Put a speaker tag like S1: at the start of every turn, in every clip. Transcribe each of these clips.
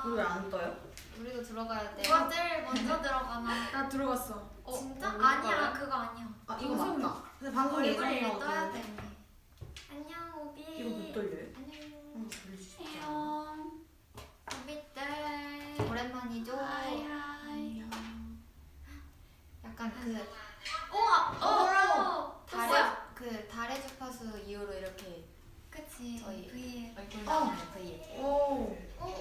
S1: 왜 안 떠요?
S2: 우리도 들어가야 돼.
S3: 누가 제일 먼저 들어가나?
S4: 나 들어갔어.
S3: 진짜?
S2: 우리
S3: 아니야,
S2: 거야?
S3: 그거 아니야.
S1: 아 이거
S4: 방송.
S1: 맞다. 근데 방금
S3: 얼굴이
S1: 예정이라고
S3: 떠야
S1: 뜨는데.
S3: 돼. 안녕, 오비.
S1: 이거 못 돌려요?
S3: 안녕.
S1: 응, 돌릴 수 있지.
S4: 안녕.
S3: 오비들.
S2: 오랜만이죠?
S4: 하이.
S2: 약간 그
S3: 우와!
S2: 달의 주파수 이후로 이렇게
S3: 그치.
S2: 저희
S3: V에.
S2: 얼굴 나오는 V에.
S1: 오.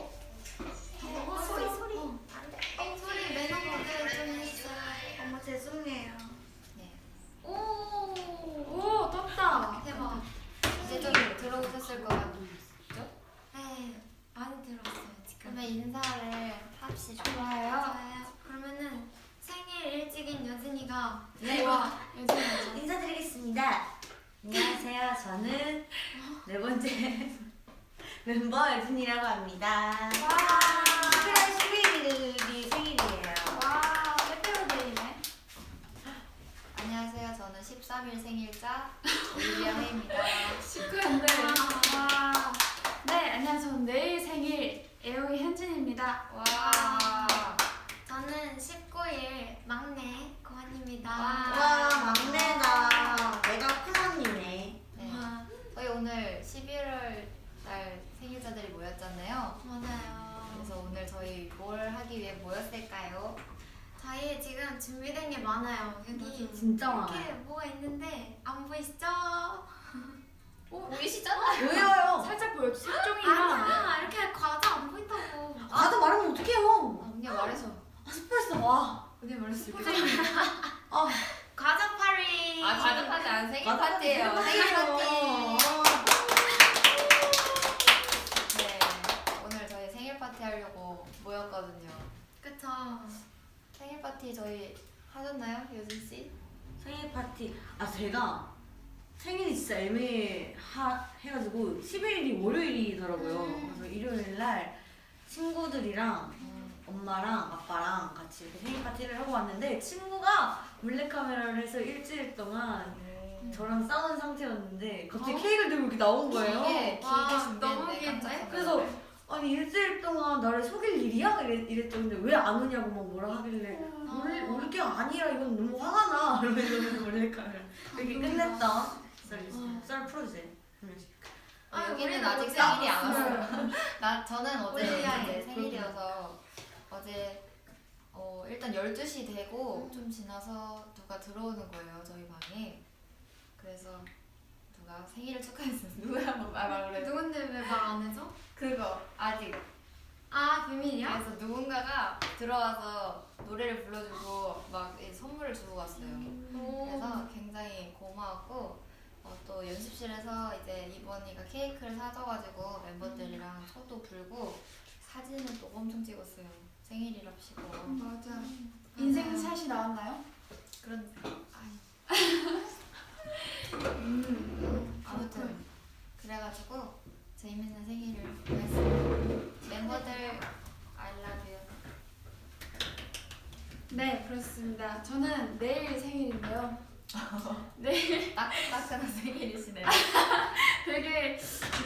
S3: 소리. 안 돼. 소리 매너 모드 좀 했어요.
S5: 어머 죄송해요.
S2: 네.
S4: 오, 떴다.
S3: 대박.
S2: 이제 좀 들어오셨을 것 같죠?
S3: 네, 많이 들었어요, 지금.
S2: 그러면 인사를 합시다.
S3: 좋아요. 그러면은 생일 일찍인 여진이가
S1: 네.
S3: 와.
S5: 인사드리겠습니다. 안녕하세요. 저는 네 번째 멤버 여진이라고 합니다. 11월 11일이 생일이에요.
S4: 와, 빼빼로데이네.
S2: 안녕하세요. 저는 13일 생일자 올리비아 헤이입니다.
S4: 시크한데. 와. 네, 안녕하세요. 저는 내일 생일 애용이 현진입니다.
S2: 와.
S3: 저는 19일 막내 고한입니다.
S5: 와 막내다. 내가 큰언니네.
S2: 네. 저희 오늘 11월 달 생일자들이 모였잖아요.
S3: 맞아요.
S2: 그래서 오늘 저희 뭘 하기 위해 모였을까요?
S3: 저희 지금 준비된 게 많아요. 여기
S5: 진짜
S3: 이렇게
S5: 많아요.
S3: 뭐가 있는데 안 보이시죠?
S2: 보이시잖아요.
S5: 왜요?
S4: 살짝 보여주세요. 색종이랑.
S3: 아니야, 이렇게 과자 안 보인다고.
S5: 나도 말하면 어떡해요?
S2: 언니가 말해서.
S5: 스포츠 와.
S2: 언니가 말했어.
S5: 아
S3: 과자 파리.
S2: 가족 파티 안 생일
S5: 맞아.
S2: 파티예요. 생일 파티. 네. 오늘 저희 생일 파티 하려고 모였거든요.
S3: 그쵸.
S2: 생일 파티 저희 하셨나요, 여진 씨?
S5: 생일 파티. 아 제가 생일이 진짜 애매해가지고 11일이 월요일이더라고요. 그래서 일요일 날 친구들이랑 엄마랑 아빠랑 같이 이렇게 생일 파티를 하고 왔는데 친구가 몰래카메라를 해서 일주일 동안 저랑 싸운 상태였는데 갑자기 케이크를 들고 이렇게 나온 거예요.
S2: 길게
S3: 와,
S2: 준비했는데
S3: 너무
S2: 깜짝
S3: 길네.
S2: 놀랐어요.
S5: 그래서 아니 일주일 동안 나를 속일 일이야? 이랬죠. 근데 왜 안 오냐고 막 뭐라 하길래 올 게 아니라 이건 너무 화가 나. 이러면서 몰래카메라 이렇게 끝냈다. 썰 풀어주세요.
S2: 여기는
S3: 우리는
S2: 아직
S3: 못
S2: 생일이 안
S3: 잡았어요.
S2: 왔어요. 저는 어제
S3: 올리비아의
S2: 이제 생일이어서 어제 일단 12시 되고 좀 지나서 누가 들어오는 거예요, 저희 방에. 그래서 누가 생일을 축하했어요. 누구야? 말을 해.
S3: 누군데 왜 말 안 해줘?
S2: 그거 아직.
S3: 아, 비밀이야?
S2: 그래서 누군가가 들어와서 노래를 불러주고 막 선물을 주고 갔어요. 그래서 굉장히 고마웠고 또 연습실에서 이제 이번이가 케이크를 사줘가지고 멤버들이랑 초도 불고 사진을 또 엄청 찍었어요. 생일이랍시고.
S4: 맞아. 인생샷이 나왔나요?
S2: 그런 아무튼 그래가지고 재밌는 생일을 보냈습니다. 멤버들 I love you.
S4: 네, 그렇습니다. 저는 내일 생일인데요. 내일
S2: 따끈따끈한 생일이시네요.
S4: 되게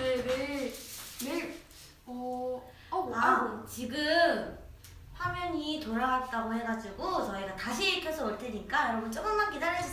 S4: 내일
S5: 아 지금 화면이 돌아갔다고 해가지고 저희가 다시 켜서 올 테니까 여러분 조금만 기다려주세요.